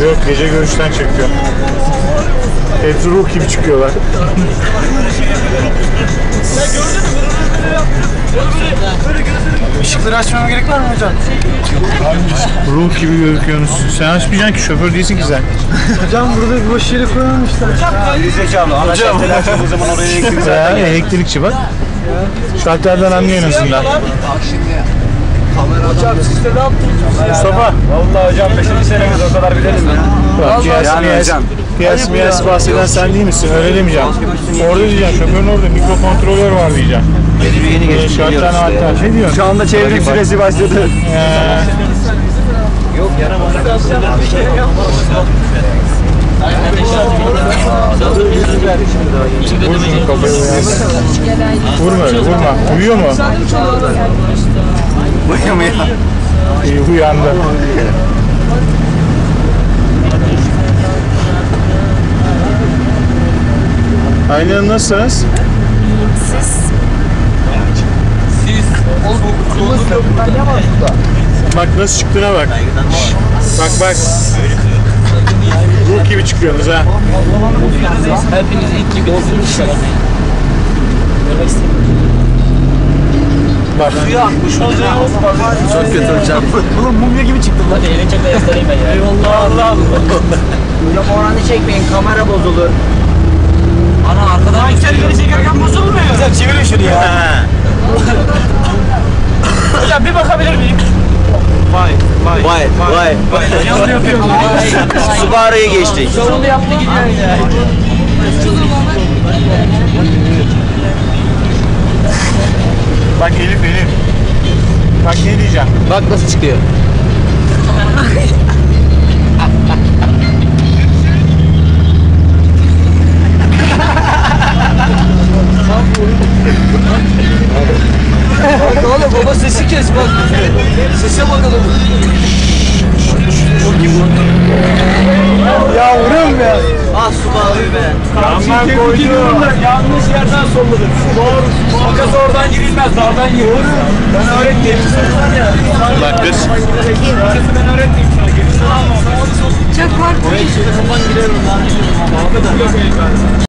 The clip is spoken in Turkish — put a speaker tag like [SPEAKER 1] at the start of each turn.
[SPEAKER 1] Yok, gece görüşten çekiyor. Hepsi ruh gibi çıkıyorlar.
[SPEAKER 2] Işıkları açmama gerek var mı hocam?
[SPEAKER 1] Ruh gibi gözüküyorsunuz. Sen açmayacaksın ki, şoför değilsin ki sen.
[SPEAKER 2] Hocam burada bir boş yeri koymamışlar.
[SPEAKER 3] Zekalı. Hocam. O zaman oraya elektrik
[SPEAKER 1] Ya, elektrikçi bak. Şalterden anlıyor en azından.
[SPEAKER 2] Hocam siz de ne yaptınız?
[SPEAKER 1] Mustafa.
[SPEAKER 3] Vallahi hocam 5. senemiz o kadar bilelim ya.
[SPEAKER 1] Bak, piyas bahseden sen değil misin? Öyle demeyeceğim. Orada diyeceksin, şoförün orada mikrokontrolör var diyeceksin.
[SPEAKER 3] Yeni geçtik.
[SPEAKER 1] Şalterden alter. Ne diyorsun?
[SPEAKER 3] Şu anda çevrim süresi başladı.
[SPEAKER 2] Yok yaramaz.
[SPEAKER 1] Vur şunu kafaya uyansın. Vurma öyle, vurma. Uyuyor mu?
[SPEAKER 3] Uyumuyor.
[SPEAKER 1] İyi, uyandı. Aynen, nasılsınız? Bak nasıl çıktığına bak. Bak bak. Ruh gibi çıkıyorsunuz ha.
[SPEAKER 4] Hepiniz ilk gibi olsunuz.
[SPEAKER 1] Bak.
[SPEAKER 3] Çok kötü hocam.
[SPEAKER 2] Oğlum mumya gibi çıktım lan.
[SPEAKER 4] Hadi elini çek de göstereyim ben ya.
[SPEAKER 2] Eyvallah Allah.
[SPEAKER 4] Hocam oranı çekmeyin, kamera bozulur. Ana arkadan
[SPEAKER 2] Kendini çekerken bozulmuyor. Hocam çevirin şunu ya. Hocam bir bakabilir miyim?
[SPEAKER 3] Vay.
[SPEAKER 2] Yavru yapıyorum.
[SPEAKER 3] Subaru'yu geçtik.
[SPEAKER 4] Sorunu yaptı gidiyor ya.
[SPEAKER 1] Bak Elif. Bak ne diyeceğim.
[SPEAKER 4] Bak nasıl çıkıyor.
[SPEAKER 2] Bak oğlum baba sesi kes bak. Sese bakalım. Yavrum ya.
[SPEAKER 3] Ah Subaru'yu be.
[SPEAKER 2] Karşıyı koydum. Yanlış yerden solladım. Doğru. Makas oradan girilmez. Dardan girilir. Ben öğrettim.
[SPEAKER 1] Bak kız.
[SPEAKER 2] Makası ben öğrettim sana. Gerisi alma.
[SPEAKER 5] Çok korktum.
[SPEAKER 3] Kapan girerim lan.